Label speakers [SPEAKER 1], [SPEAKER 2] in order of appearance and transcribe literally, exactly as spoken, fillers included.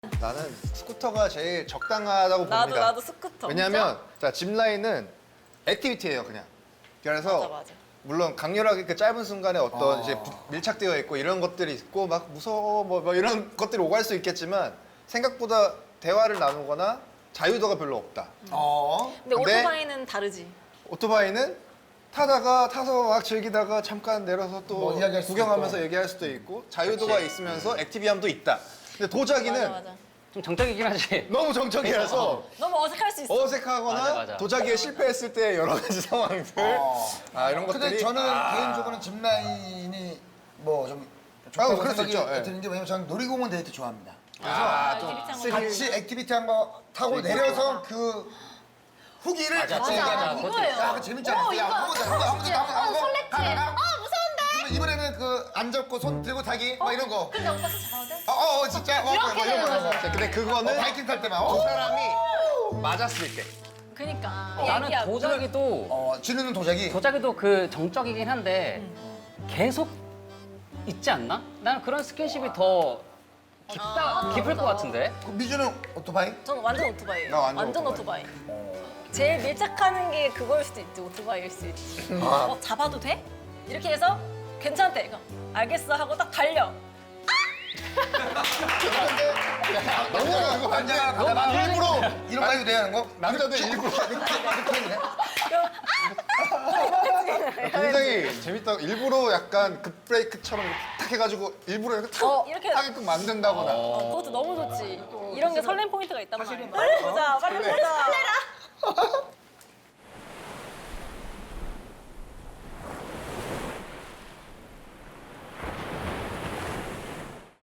[SPEAKER 1] 나는 스쿠터가 제일 적당하다고 봅니다.
[SPEAKER 2] 나도 나도 스쿠터.
[SPEAKER 1] 왜냐면 자 짚라인은 액티비티예요 그냥. 그래서
[SPEAKER 2] 맞아 맞아.
[SPEAKER 1] 물론 강렬하게 그 짧은 순간에 어떤
[SPEAKER 3] 어.
[SPEAKER 1] 이제 부- 밀착되어 있고 이런 것들이 있고 막 무서워 뭐, 뭐 이런 것들이 오갈 수 있겠지만 생각보다 대화를 나누거나 자유도가 별로 없다.
[SPEAKER 3] 어.
[SPEAKER 2] 근데
[SPEAKER 1] 근데-
[SPEAKER 2] 오토바이는 다르지.
[SPEAKER 1] 오토바이는 타다가 타서 막 즐기다가 잠깐 내려서 또
[SPEAKER 3] 뭐 이야기할 수도
[SPEAKER 1] 구경하면서
[SPEAKER 3] 있고.
[SPEAKER 1] 얘기할 수도 있고 자유도가 있으면서 액티비함도 있다. 근데 도자기는
[SPEAKER 2] 맞아 맞아.
[SPEAKER 4] 좀 정적이긴 하지.
[SPEAKER 1] 너무 정적이라서
[SPEAKER 2] 너무 어색할 수 있어.
[SPEAKER 1] 어색하거나
[SPEAKER 4] 맞아, 맞아.
[SPEAKER 1] 도자기에 실패했을 때 여러 가지 상황들
[SPEAKER 3] 어.
[SPEAKER 1] 아 이런
[SPEAKER 3] 근데
[SPEAKER 1] 것들이
[SPEAKER 3] 저는
[SPEAKER 1] 아,
[SPEAKER 3] 개인적으로는 짚라인이 뭐 좀 좋다고
[SPEAKER 1] 그럴 수
[SPEAKER 3] 생각이
[SPEAKER 1] 있죠, 예.
[SPEAKER 3] 드는 게 왜냐면 저는 놀이공원 데이트 좋아합니다.
[SPEAKER 1] 아, 또
[SPEAKER 2] 액티비티 한 거.
[SPEAKER 1] 스릴.
[SPEAKER 3] 같이 액티비티 한 거 타고 내려서 그 후기를 같이
[SPEAKER 2] 맞아,
[SPEAKER 3] 얘기하는 거.
[SPEAKER 2] 이거예요.
[SPEAKER 3] 야, 그거 재밌지 않았어? 야, 한 번 더, 한 번 더, 한 번 더, 한 번 더, 한 번 더.
[SPEAKER 5] 설렜지.
[SPEAKER 3] 가다가
[SPEAKER 5] 어 무서운데.
[SPEAKER 3] 그러면 이번에는 그 안 잡고 손 들고 타기 막 이런 거.
[SPEAKER 5] 근데 오빠 잡아도 돼?
[SPEAKER 3] 어, 어, 어, 진짜. 어,
[SPEAKER 5] 이렇게
[SPEAKER 3] 뭐 이런 거, 이런 거.
[SPEAKER 1] 자, 근데 그거는
[SPEAKER 3] 어, 바이킹 탈 때만.
[SPEAKER 1] 두
[SPEAKER 3] 어,
[SPEAKER 1] 사람이 맞았을 때
[SPEAKER 2] 그니까.
[SPEAKER 4] 나는
[SPEAKER 2] 얘기하고.
[SPEAKER 4] 도자기도
[SPEAKER 3] 어, 지르는 도자기.
[SPEAKER 4] 도자기도 그 정적이긴 한데 계속 있지 않나? 나는 그런 스킨십이 더 깊다, 깊을 것 같은데.
[SPEAKER 3] 그 미주는 오토바이?
[SPEAKER 2] 저는 완전 오토바이예요.
[SPEAKER 1] 나 완전
[SPEAKER 2] 오토바이. 제일 밀착하는 게 그거일 수도 있지. 오토바이일 수 있지.
[SPEAKER 3] 아.
[SPEAKER 2] 어, 잡아도 돼? 이렇게 해서 괜찮대. 그럼 알겠어 하고 딱 달려.
[SPEAKER 3] 너무 이거 반지가 가다가 일부러 이런 거 해도 돼야 하는 거?
[SPEAKER 1] 남자들 일부러
[SPEAKER 3] 이렇게 했네.
[SPEAKER 1] 굉장히 재밌다. 일부러 약간 급브레이크처럼 이렇게 탁 해가지고 일부러 이렇게 탁
[SPEAKER 2] 어, 이렇게.
[SPEAKER 1] 하게끔 만든다거나.
[SPEAKER 2] 어, 그것도 너무 좋지. 이런 게 설렘 포인트가 있단 말이야. 빨리 보자. 빨리 보자.